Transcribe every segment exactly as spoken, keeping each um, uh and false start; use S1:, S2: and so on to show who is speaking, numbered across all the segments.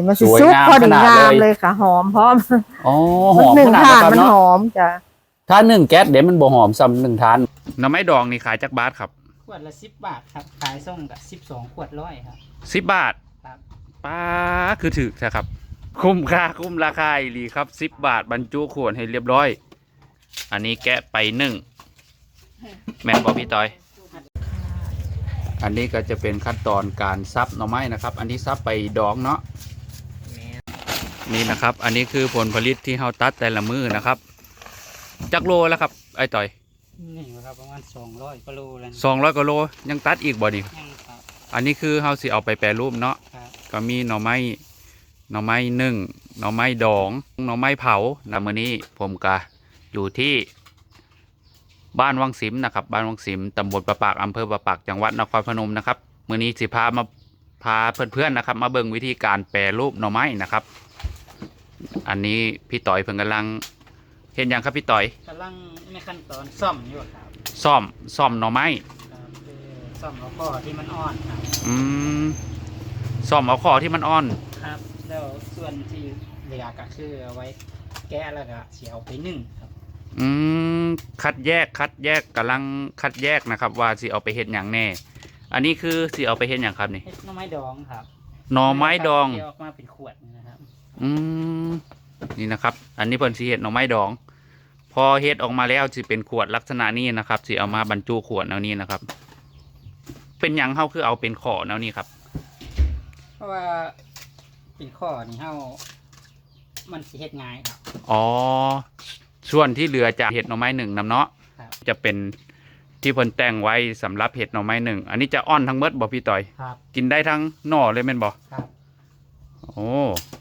S1: มันสิซุกพอดีงามเลยค่ะหอมพร้อม
S2: อ๋อหอม
S1: หนึ่ง
S2: ขนาด
S1: ถ่าน
S2: นั้น
S1: มัน
S2: เนาะ
S1: หอมจ้ะ
S2: ถ้าหนึ่งแก๊สเดี๋ยวมันบ่หอมซ้ำหนึ่งทานหน่อไม้ดองนี่ขายจักบาทครับ
S3: ขวดละสิบบาทครับขายส่งกับสิบสองขวดร้อยครับ
S2: สิบบาท
S3: ครับ
S2: ป้าคือถือใช่ครับ คุ้มค่าคุ้มราคาอีหลีครับสิบบาทบรรจุขวดให้เรียบร้อย อันนี้แกะไปหนึ่งแม่นบอกพี่ต้อย อันนี้ก็จะเป็นขั้นตอนการซับหน่อไม้นะครับ อันที่ซับไปดองเนาะนี่นะครับ อันนี้คือผลผลิตที่เราตัดแต่ละมือนะครับจักโลแล้วครับไอ้ต่อย
S3: นี่ครับประมาณสองร้อยกิโลแล้ว
S2: สองร้อยกิโลยังตัดอีกบ่นี่
S3: ยังครับ
S2: อันนี้คือเราสิเอาไปแปรรูปเนาะ
S3: ครับ
S2: ก็มีหน่อไม้หน่อไม้นึ่งหน่อไม้ดองหน่อไม้เผาแล้วมื้อนี้ผมก็อยู่ที่บ้านวังสิมนะครับบ้านวังสิมตำบลประปากอำเภอประปากจังหวัดนครพนมนะครับมื้อนี้สิพามาพาเพื่อนๆนะครับ มาเบิ่งวิธีการแปรรูปหน่อไม้นะครับ อันนี้พี่ต่อยเพิ่งกำลังเห็นยังครับพี่ต่อย
S3: กำลังในขั้นตอนซ่อมอยู่ครับ
S2: ซ่อมซ่อมหน่อไม้
S3: ครับคือซ่อมเอาข้อที่มันอ่อนครับ
S2: อืมซ่อมเอาข้อที่มันอ่อน
S3: ครับ แล้วส่วนที่เหลือก็คือเอาไว้แกะแล้วก็เสียเอาไปนึ่งครับ
S2: อืมคัดแยกคัดแยกกำลังคัดแยกนะครับ ว่าสิเอาไปเฮ็ดอย่างแน่ อันนี้คือสิเอาไปเฮ็ดอย่างครับนี่
S3: เฮ็ดหน่อไม้ดองครับ
S2: หน่อไม้ดอง
S3: เคี่ยวออกมาเป็นขวดนี่นะครับ
S2: อืมนี่นะครับ อันนี้เพิ่นสิเฮ็ดหน่อไม้ดอง พอเฮ็ดออกมาแล้วสิเป็นขวดลักษณะนี้นะครับสิเอามาบรรจุขวดแนวนี้นะครับ เป็นหยังเฮาคือเอาเป็นขอแนวนี้ครับ
S3: เพราะว่าเป็นข้อนี่เฮามันสิเฮ็ดง่ายครับ
S2: อ๋อส่วนที่เหลือจากเห็ดหน่อไม้หนึ่งนำเนาะ
S3: ครับ
S2: จะเป็นที่เพิ่นแต่งไว้สำหรับเห็ดหน่อไม้หนึ่งอันนี้จะอ่อนทั้งเมดบ่พี่ต่อย
S3: ครับ
S2: กินได้ทั้งหน่อเลยแม่นบ่
S3: ครับ
S2: โอ้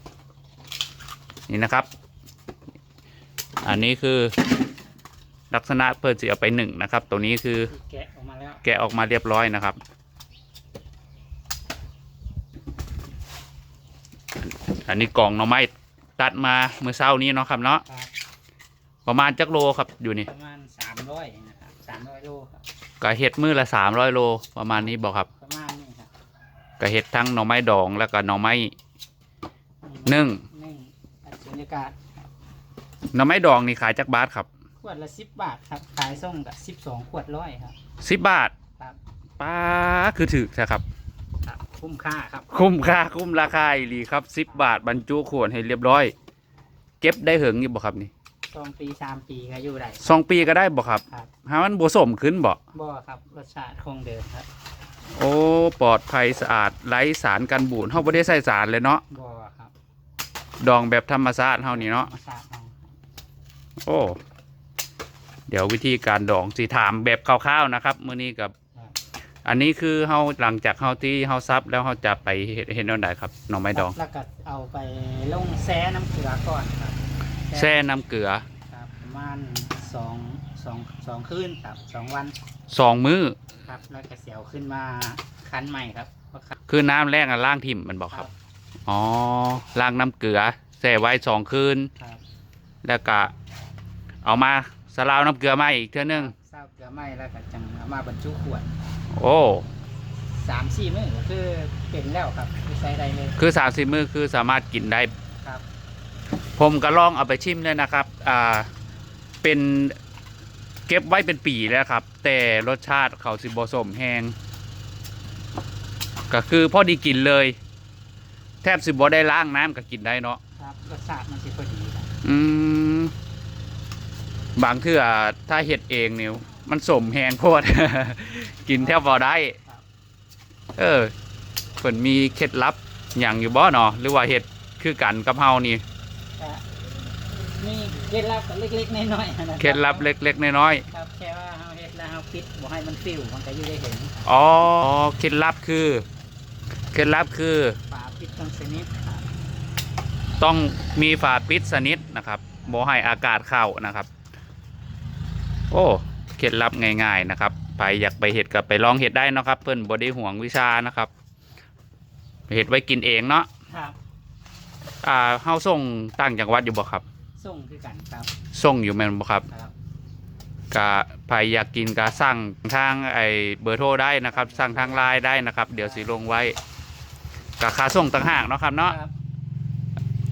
S2: นี่นะครับ อันนี้คือลักษณะเพิ่นสิเอาไปหนึ่งนะครับ ตัวนี้คือ
S3: แกะออกมาแล้ว
S2: แกะออกมาเรียบร้อยนะครับ อันนี้กล่องหน่อไม้ตัดมาเมื่อเช้านี้เนาะครับเนาะ
S3: ครับ
S2: ประมาณจักโลครับอยู่นี่
S3: ประมาณสามร้อยนะครับสามร้อยโลครับ
S2: ก็เห็ดมือละสามร้อยโลประมาณนี้บอกครับ
S3: ประมาณนี้ครับ
S2: ก็เห็ดทั้งหน่อไม้ดองแล้วก็หน่อไม้นึ่ง
S3: นึ่งอัดสุญญากาศครับ
S2: หน่อไม้ดองนี่ขายจักบาทครับ
S3: ขวดละสิบบาทครับขายส่งกับสิบสองขวดร้อยครับ
S2: สิบบาท
S3: ครับ
S2: ป้าคือถือใช่ครับ
S3: ครับ คุ้มค่าครับ
S2: คุ้มค่าคุ้มราคาอีหลีครับสิบบาทบรรจุขวดให้เรียบร้อย เก็บได้เหิงอยู่บ่ครับนี่
S3: สองปีสามปีก็อยู่ได้
S2: สองปีก็ได้บ่ครับ
S3: ครับ
S2: หามันบ่สมขึ้นบ่
S3: บ่ครับรสชาติคงเดิมครับ
S2: โอ้ปลอดภัยสะอาดไร้สารกันบูดเฮาบ่ได้ใส่สารเลยเนาะ
S3: บ่ครับ
S2: ดองแบบธรรมชาติเฮานี่เนาะ
S3: ธรรมชาติเอา
S2: โอ้เดี๋ยววิธีการดองสิถามแบบคร่าวๆนะครับมื้อนี้กับ
S3: ครับ
S2: อันนี้คือเฮาหลังจากเฮาที่เฮาซับแล้วเฮาจะไปเฮ็ดเฮ็ดแนวใดครับหน่อไม้ดอง
S3: แล้วก็เอาไปลงแช่น้ำเกลือก่อนครับ
S2: แช่น้ำเกลือ
S3: ครับประมาณสองสองสองคืนครับสองวัน
S2: สองมื้อ
S3: ครับแล้วก็เสียวขึ้นมาคั้นใหม่ครับเพราะครับ
S2: คือน้ำแรกอ่ะล้างทิ่มมันบอกครับอ๋อล้างน้ำเกลือแช่ไว้สองคืน
S3: ครับ
S2: แล้วก็เอามาสลาวน้ำเกลือมาอีกเท่านึง
S3: เศร้าเกลือไหม้แล้วก็จังเอามาบรรจุขวด
S2: โอ้
S3: สามสี่มื้อก็คือเป็นแล้วครับคือใช้ได้เลย
S2: คือสามสิบมื้อคือสามารถกินได้
S3: ครับ
S2: ผมก็ลองเอาไปชิมเลยนะครับอ่าเป็นเก็บไว้เป็นปีแล้วครับ แต่รสชาติเขาสิบสมแห้งก็คือพอดีกินเลย แทบสิบ่ได้ล้างน้ำก็กินได้เนาะ
S3: ครับรสชาติมันสิพอดีครับ
S2: อืมบางเทื่อถ้าเห็ดเองเนี่ยมันสมแหงโพด กินแทบพอได้ เออเพิ่นมีเคล็ดลับอย่างอยู่บ่เนาะหรือว่าเห็ดคือกันกับเฮานี่
S3: ก็มีเคล็ดลับเล็กๆน้อยๆนะครับ
S2: เคล็ดลับเล็กๆน้อย
S3: ครับแค่ว่าเฮาเฮ็ดแล้วเฮาปิดบ่ให้มันฟิวมันก็อยู่ได้เห็น
S2: ๆอ๋อเคล็ดลับคือเคล็ดลับคือ
S3: ฝาปิดต้องชนิดครับ
S2: ต้องมีฝาปิดสนิทนะครับบ่ให้อากาศเข้านะครับ โอ้เคล็ดลับง่ายๆนะครับไปอยากไปเห็ดกับไปลองเห็ดได้เนาะครับ เพิ่นบ่ได้ห่วงวิชานะครับเห็ดไว้กินเองเนาะ
S3: ครับ
S2: อ่าเฮาส่งต่างจังหวัดอยู่บ่ครับ
S3: ส่งคือกันครับ
S2: ส่งอยู่แม่นบ่ครับ
S3: ครับ
S2: กะใครอยากกินกะสั่งทางไอ้เบอร์โทรได้นะครับ สั่งทางไลน์ได้นะครับ เดี๋ยวสิลงไว้กะค่าส่งต่างหากเนาะครับเนาะ
S3: ครับ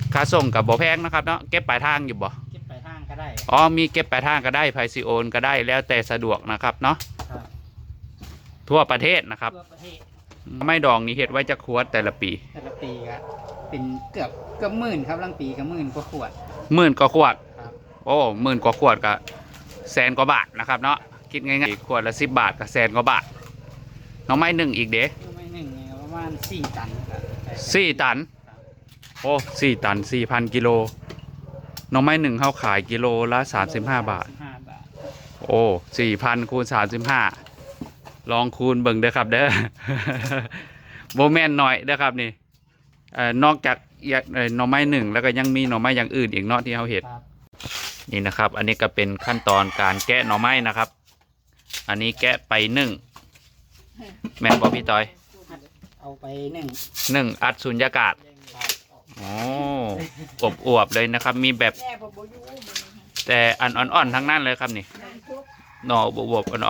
S2: ค่าส่งกับบ่แพงนะครับเนาะเก็บปลายทางอยู่บ่
S3: เก็บไปทางก็ได้
S2: อ๋อมีเก็บปลายทางก็ได้ไพซิโอนก็ได้แล้วแต่สะดวกนะครับเนาะ
S3: ครับ
S2: ทั่วประเทศนะครับ
S3: ทั่วประเทศ
S2: ไม่ดองนี่เฮ็ดไว้จะขวดแต่ละปี
S3: แต่ละปีก็เป็นเกือบเกือบหมื่นครับลังปีก็หมื่นกว่าขวด
S2: หมื่นกว่าขวด
S3: ครับ
S2: โอ้หมื่นกว่าขวดก็แสนกว่าบาทนะครับเนาะคิดง่ายๆขวดละสิบบาทก็แสนกว่าบาทน้องไม้หนึ่งอีกเด้
S3: ไม่หนึ่งเนี่ยประมาณสี่ตันครับ
S2: สี่ตันโอ้สี่ตันสี่พันกิโลน้องไม้หนึ่งเขาขายกิโลละสามสิบห้าบาท
S3: ห้าบาท
S2: โอ้สี่พันคูณสามสิบห้าลองคูณเบิ่งเด้อครับเด้อ โบแมนหน่อยเด้อครับนี่เอ่อนอกจากอย่างเอ่อหน่อไม้หนึ่งแล้วก็ยังมีหน่อไม้อย่างอื่นอีกเนาะที่เขาเห็ด
S3: ครับ
S2: นี่นะครับ อันนี้ก็เป็นขั้นตอนการแกะหน่อไม้นะครับ อันนี้แกะไปหนึ่งแม่นบอกพี่ต้อย
S3: เอาไปหนึ่ง
S2: หนึ่งอัดสุญญากาศ
S3: ครับ
S2: โอ้อบอวบๆเลยนะครับ มีแบบแต่อันอ่อนๆทั้งนั้นเลยครับนี่หน่ออบวบๆอ่อน
S3: อ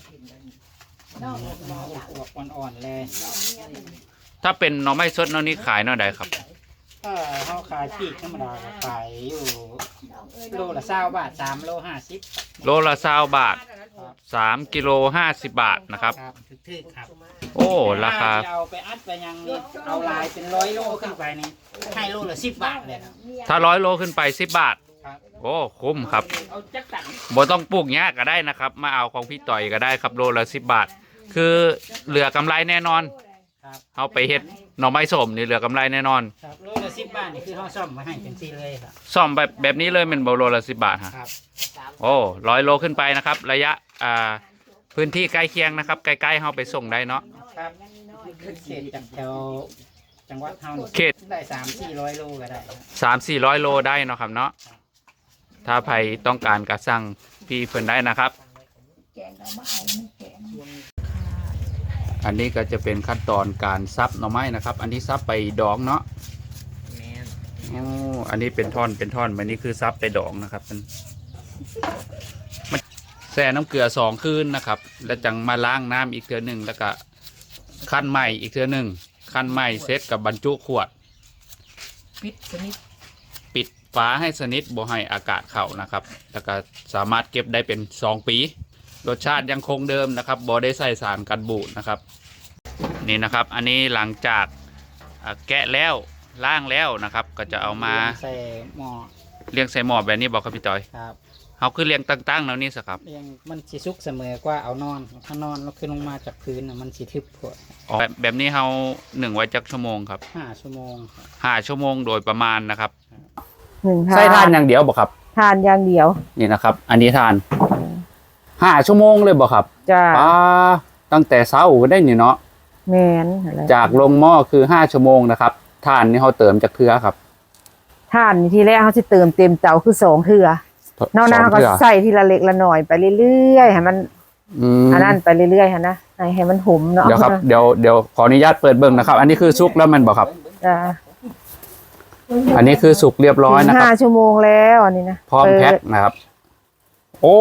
S3: วบอ่อนๆเลย
S2: ๆถ้าเป็นหน่อไม้สดหน่อนี้ขายหน่อใดครับ
S3: ถ้าเขาขายปีกธรรมดาก็ขายอยู่โลละเศร้าบาทสามโลห้าสิบ
S2: โลละสามบาท
S3: ครับ
S2: สามกิโลห้าสิบบาทนะครับ
S3: ครับถึกๆครับ
S2: โอ้ราคา
S3: ถ้เอาไปอัดไปยังนี่เอาลายเป็นร้อยโลขึ้นไปนี่ให้โลละสิบบาทเลยครับ
S2: ถ้าร้อยโลขึ้นไปสิบบาท
S3: ครับ
S2: โอ้คุ้มครับ
S3: เอาจักตัน
S2: บ่ต้องปลูกหญ้าก็ได้นะครับ มาเอาของพี่ต่อยก็ได้ครับโลละสิบบาท คือเหลือกำไรแน่นอน
S3: ครับ
S2: เอาไปเฮ็ดหน่อไม้ส้มนี่เหลือกำไรแน่นอน
S3: ครับโลละสิบบาทนี่คือเขาซ่อมมาให้เป็นซีเลยครับ
S2: ซ่อมแบบแบบนี้เลยเป็นโลละสิบบาทฮะ
S3: ครับ
S2: โอ้ร้อยโลขึ้นไปนะครับ ระยะอ่าพื้นที่ใกล้เคียงนะครับใกล้ๆเข้าไปส่งได้เนาะ
S3: ครับขึ้นเขตจากแถวจังหวัดเฮานี่
S2: เขต
S3: ได้สามสี่ร้อยโลก็ได้ครับ
S2: สามสี่ร้อยโลได้เนาะครับเนาะถ้าใครต้องการกระสั่งพี่เพิ่นได้นะครับ อันนี้ก็จะเป็นขั้นตอนการซับหน่อไม้นะครับ อันนี้ซับไปดองเนาะอ๋ออันนี้เป็นท่อนเป็นท่อนอันนี้คือซับไปดองนะครับมันมันแช่น้ำเกลือสองคืนนะครับ แล้วจังมาล้างน้ำอีกเทื่อหนึ่งแล้วก็ขั้นใหม่อีกเทื่อหนึ่งขั้นใหม่เซตกับบรรจุขวด
S3: ปิดสนิท
S2: ปิดฝาให้สนิทบ่ให้อากาศเข้านะครับ แล้วก็สามารถเก็บได้เป็นสองปี รสชาติยังคงเดิมนะครับบ่ได้ใส่สารกันบูดนะครับ นี่นะครับ อันนี้หลังจากอ่าแกะแล้วล้างแล้วนะครับ ก็จะเอามา
S3: ใส่หม้อ
S2: เลี้ยงใส่หม้อแบบนี้บอกครับพี่ต้อย
S3: ครับ
S2: เขาคือเลี้ยงตั้งๆแล้วนี่สิครับ
S3: เรียงมันสิสุกเสมอกว่าเอานอนถ้านอนแล้วขึ้นลงมาจากพื้นน่ะมันสิทึบพวด
S2: อ๋อแบบแบบนี้เขาหนึ่งไว้จักชั่วโมงครับ
S3: ห้าชั่วโมงครับ
S2: ห้าชั่วโมงโดยประมาณนะครับ
S1: หนึ่ง
S2: ใส่ทานอย่างเดียวบอกครับ
S1: ทานอย่างเดียว
S2: นี่นะครับ อันนี้ทานห้าชั่วโมงเลยบอกครับ
S1: จ้า
S2: ป้าตั้งแต่เช้าก็ได้นี่เนาะ
S1: แมนอะไร
S2: จากลงหม้อคือห้าชั่วโมงนะครับทานนี่เขาเติมจากเทือครับ
S1: ทานทีแรกเขาจะเติมเต็มเตาคือสองเทือนอกนั้นเขาก็
S2: สงทื่อ
S1: ใส่ทีละเล็กละหน่อยไปเรื่อยๆให้มัน
S2: อืม
S1: อันนั้นไปเรื่อยๆฮะนะให้ให้มันหมเนาะ
S2: เดี๋ยวครับเดี๋ยวเดี๋ยวขออนุญาตเปิดเบิ่งนะครับ อันนี้คือสุกแล้วมันบอกครับ
S1: จ้า
S2: อันนี้คือสุกเรียบร้อยนะค
S1: ห้า
S2: รับ
S1: ชั่วโมงแล้วอันนี้นะ
S2: พร้อมแพ็ค
S1: เปิด
S2: นะครับ โอ้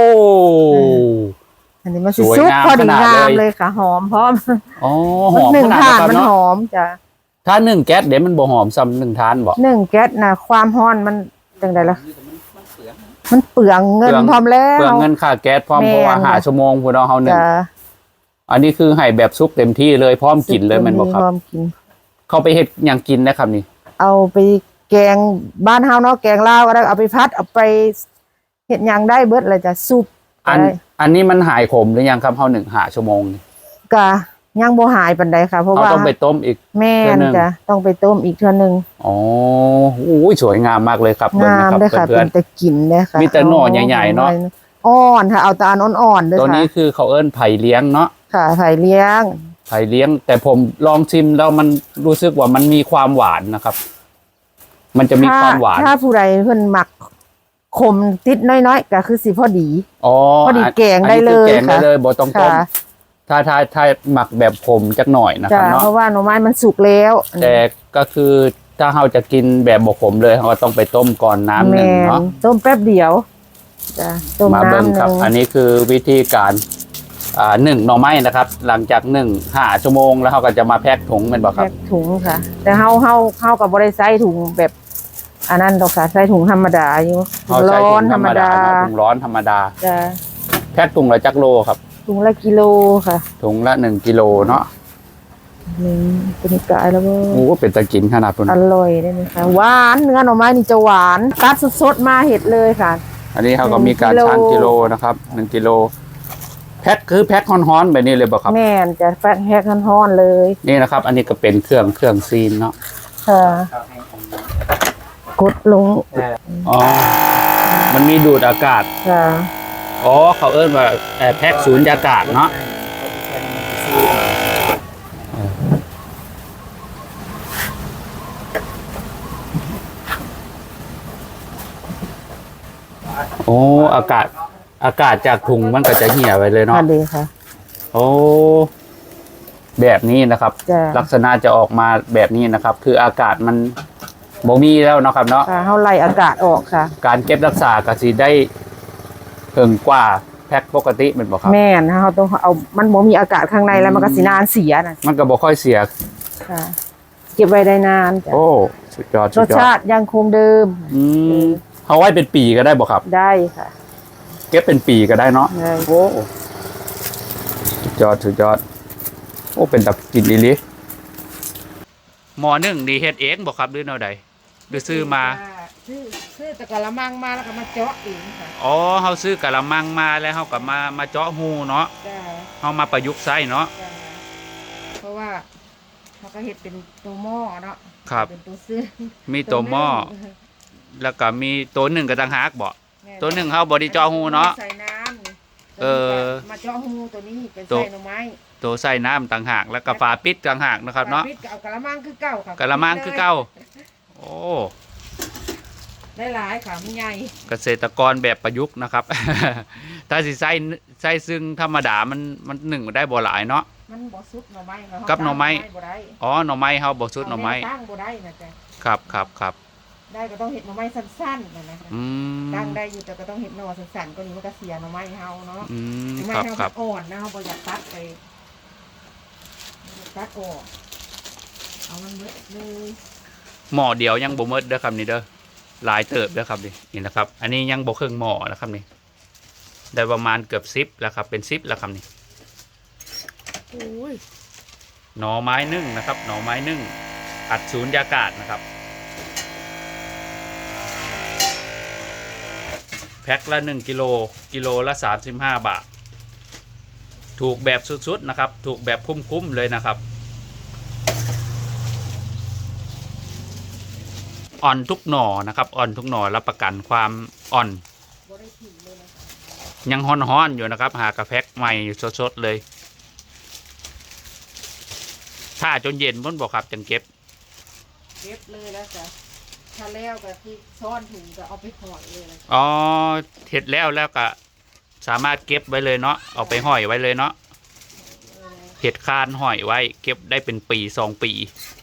S1: อันนี้มันสิ
S2: สวย
S1: ซุป
S2: งาม
S1: พอดี
S2: ขนาด
S1: งาม
S2: เลย
S1: เลยค่ะ หอมพร้อม
S2: อ๋อหอม
S1: หนึ่
S2: ข
S1: ง
S2: นาด
S1: ทา
S2: นั้น นครับ
S1: มัน
S2: เนาะ
S1: หอมจ้ะ
S2: ถ้าหนึ่งแก๊สเดี๋ยวมันบ่หอมซ้ำหนึ่งทานบ่
S1: หนึ่งแก๊สนะความร้อนมันจังไดล่ะมันเปลืองเงินพร้อมแล้ว
S2: เปลืองเงินค่าแก๊สพร้อม
S1: แม่น
S2: เพราะว่าหาชั่วโมงพวกเราเฮาหนึ่ง
S1: จ้ะ
S2: อันนี้คือให้แบบซุปเต็มที่เลยพร้อมกินเลยแมันบอกครับ
S1: พร้อมกิน
S2: เขาไปเฮ็ดหยังกินนะครับนี่
S1: เอาไปแกงบ้านเฮาเนาะแกงลาวก็ได้เอาไปพัดเอาไปเฮ็ดหยังได้เบิดเลยจ้ะซุป
S2: อัน
S1: ได้
S2: อันนี้มันหายขมหรือยังครับเฮาหนึ่งหาชั่วโมงนี่
S1: กะยังบ่หายปานใดค่ะ เพราะ
S2: เรา
S1: ว่า
S2: ต้องไปต้มอีก
S1: แม่
S2: เทื่อน หนึ่ง
S1: จ้ะต้องไปต้มอีกเทื่อนึง
S2: อ๋อโอ้ยสวยงามมากเลยครับเบิ่ง
S1: งา
S2: นะ
S1: ม
S2: ครับ
S1: เลยค่ะ
S2: เพื่
S1: เป็
S2: อน
S1: นแต่กินเลยค่ะ
S2: มีแต่หน่อใหญ่ๆเนาะ
S1: อ่อนค่ะเอาแตาอันอ่อนๆด้วย
S2: ๆตัว
S1: ค่ะ
S2: นี้คือเขาเอิ้นไผ่เลี้ยงเนาะ
S1: ค่ะไผ่เลี้ยง
S2: ไผ่เลี้ยง แต่ผมลองชิมแล้วมันรู้สึกว่ามันมีความหวานนะครับ มันจะมี
S1: ถ้า
S2: ความหวาน
S1: ถ้าผู้ใดเพิ่นหมักขมติดน้อยๆก็คือสิพอดี
S2: อ๋อ
S1: พอดีแกง
S2: อัน
S1: ได้
S2: นี้
S1: เล
S2: คือย แกงได้
S1: ค่ะ
S2: เลยบ่ต้องต้ม
S1: ค่ะ
S2: ถ้าถ้าถ้าหมักแบบขมจักหน่อยนะค
S1: จ้ะ
S2: รับเนาะ
S1: เพราะว่าหน่อไม้มันสุกแล้ว
S2: แต่ก็คือถ้าเราจะกินแบบบกขมเลยเราก็ต้องไปต้มก่อนน้ำหนึ่ง
S1: แม่
S2: เนาะ
S1: ต้มแป๊บเดียวจ้ะต้ม
S2: มาเบิ่ง
S1: น้ำห
S2: ครับ
S1: นึ่ง
S2: อันนี้คือวิธีการอ่าหนึ่งหน่อไม้นะครับ หลังจากหนึ่งห้าชั่วโมงแล้วเราก็จะมาแพ็คถุงเป็นบ่ครั
S1: แพ็
S2: บ
S1: คถุงค่ะ แต่เฮาเฮาเฮากับบริไซถุงแบบอันนั้นดอกค่ะใส่ถุงธรรมดาอยู่ถุ
S2: เอา
S1: ง
S2: ใส่
S1: ร้อ
S2: ถุ
S1: น
S2: ง
S1: ธ
S2: ธ
S1: ร
S2: ร
S1: ร
S2: ร
S1: ม
S2: มดา
S1: ดา
S2: เนาะถุงร้อนธรรมดา
S1: จะ
S2: แพ็คถุงละจักโลครับ
S1: ถุงละกิโลค่ะ
S2: ถุงละหนึ่งกิโลเนาะ
S1: หนึ่งเป็นกายแล้วก็
S2: โอ้เป็นตะกินขนาดพุ่น
S1: อร่อยได้ไหมคะหวานเนื้อหน่อไม้นี่จะหวานตัดสดๆมาเห็ดเลยค่ะ
S2: อันนี้เขาก็มีการ
S1: หนึ่งกิโล
S2: ชั่งกิโลนะครับหนึ่งกิโลแพ็คคือแพ็คฮ้อนๆแบบนี้เลยบ่ครับ
S1: แม่นจะแฟกแฮกฮ้อนๆเลย
S2: นี่นะครับ อันนี้ก็เป็นเครื่องเครื่องซีนเนาะ
S1: ค่ะกดลง
S2: อ๋อมันมีดูดอากาศ
S1: ค่ะ
S2: อ๋อเขาเอิ้นว่าเอ่อแพ็คสูญญากาศเนาะโอ้อากาศอากาศจากถุงมันก็จะเหี่ยไปเลยเนาะ
S1: ค่ะดีค่ะ
S2: โอ้แบบนี้นะครับ
S1: จ้ะ
S2: ลักษณะจะออกมาแบบนี้นะครับ คืออากาศมันบ่มีแล้วเนาะครับเนาะ
S1: ค่ะเฮาไล่อากาศออกค่ะ
S2: การเก็บรักษาก็สิได้เพิ่งกว่าแพ็คปกติเป็นบ่ครับ
S1: แม่นเฮาต้องเอามันบ่มีอากาศข้างในแล้วมันก็สินานเสียน่ะ
S2: มันก็บ่ค่อยเสีย
S1: ค่ะ เก็บไว้ได้นานจ้ะ
S2: โอ้สุดยอด
S1: ร
S2: สุ
S1: ส
S2: ดยอ
S1: ชา
S2: ด
S1: ติยังคงเดิม
S2: อืมเอาไว้เป็นปีก็ได้บ่ครับ
S1: ได้ค่ะ
S2: เก็บเป็นปีก็ได้เนาะ
S1: ได้
S2: โอ้สุดยอดสุดยอดโอ้เป็นตับกินอีหลีหมอหนึ่งดีเฮ็ดเองบ่ครับหรือแนวใดหรือซื้อมา
S1: ซื้อซื้อแต่กะละมังมาแล้วก็มาเจาะเองค่ะ
S2: อ๋อเฮาซื้อกะละมังมาแล้วเฮาก็มามาเจาะหูเนาะ
S1: จ้า
S2: เฮามาประยุกต์ใช้เนาะ
S1: จ้าเพราะว่าเขาก็เห็ดเป็นตัวหม้อเนาะ
S2: ครับ
S1: เป็นตัวซื้อ
S2: มีตัวหม้อแล้วก็มีตัวหนึ่งก็ต่างหากบ่ตัวหนึ่งเฮาบ่ได้เจาะหูเนาะ
S1: ใส่น้ำนี่
S2: เออ
S1: มาเจาะหูตัวนี้เป็น
S2: ตัว
S1: ใส่หน่อไม้
S2: ตัวใส่น้ำต่างหากแล้วก็ฝาปิดต่างหากนะครับเนาะ
S1: ปิดก็เอากะละมังคือเก่าค่ะ
S2: กะละมังคือเก่าโอ้
S1: ได้หลายค่ะมันใหญ่
S2: เกษตรกรแบบประยุกต์นะครับ ถ้าสิใส่ใส่ซึ่งธรรมดามันมันหนึ่งได้บ่หลายเนาะ
S1: มันบ่สุดหน่อไม้ค่ะ
S2: กับหน่อไม้
S1: บ่ได้
S2: อ๋อหน่อไม้เฮาบ่สุดหน่อไม้
S1: เาแตั้งบ่ได้นะจ๊ะ
S2: ครับครับครับ
S1: ได้ก็ต้องเห็ดหน่อไม้สั้นๆนะนะคะ
S2: อืม
S1: ตั้งได้อยู่แต่ก็ต้องเห็ดหน่อสั้นๆก็นี้มันก็เสียหน่อไม้เฮาเนาะ
S2: อืม
S1: หน่อไม้
S2: ครับ
S1: เฮา
S2: ครับ
S1: มันอ่อนนะเฮาบ่อยากตัดไปบ่อยากตัดออกเอามันเบิดเลย
S2: หม้อเดียวยังบ่หมดเด้อครับนี่เด้อหลายเติบเด้อครับนี่นี่นะครับ อันนี้ยังบ่ครึ่งหม้อนะครับนี่ได้ประมาณเกือบสิบแล้วครับเป็นสิบแล้วครับนี่โอ้ยหน่อไม้นึ่งนะครับหน่อไม้นึ่งอัดสูญญากาศนะครับแพ็คละหนึ่งกิโลกิโลละสามสิบห้าบาทถูกแบบสุดๆนะครับถูกแบบคุ้มๆเลยนะครับอ่อนทุกหน่อนะครับอ่อนทุกหน่อรับประกันความอ่อน
S1: บ่ได้ถิ่มเลยนะ
S2: ยังฮ้อนๆอยู่นะครับ หากระแพ็กใหม่สดๆเลย ถ้าจนเย็นพ้นบอกครับจังเก็บ
S1: เก็บเลยแล้วจ้ะถ้าแล้วก็ที่ซ่อนถุงก็เอาไปห่อเลยนะ
S2: อ๋อเห็ดแล้วแล้วก็สามารถเก็บไว้เลยเนาะเอาไปห้อยไว้เลยเนาะเห็ดคานห้อยไว้ เก็บได้เป็นปีสองปี
S1: เ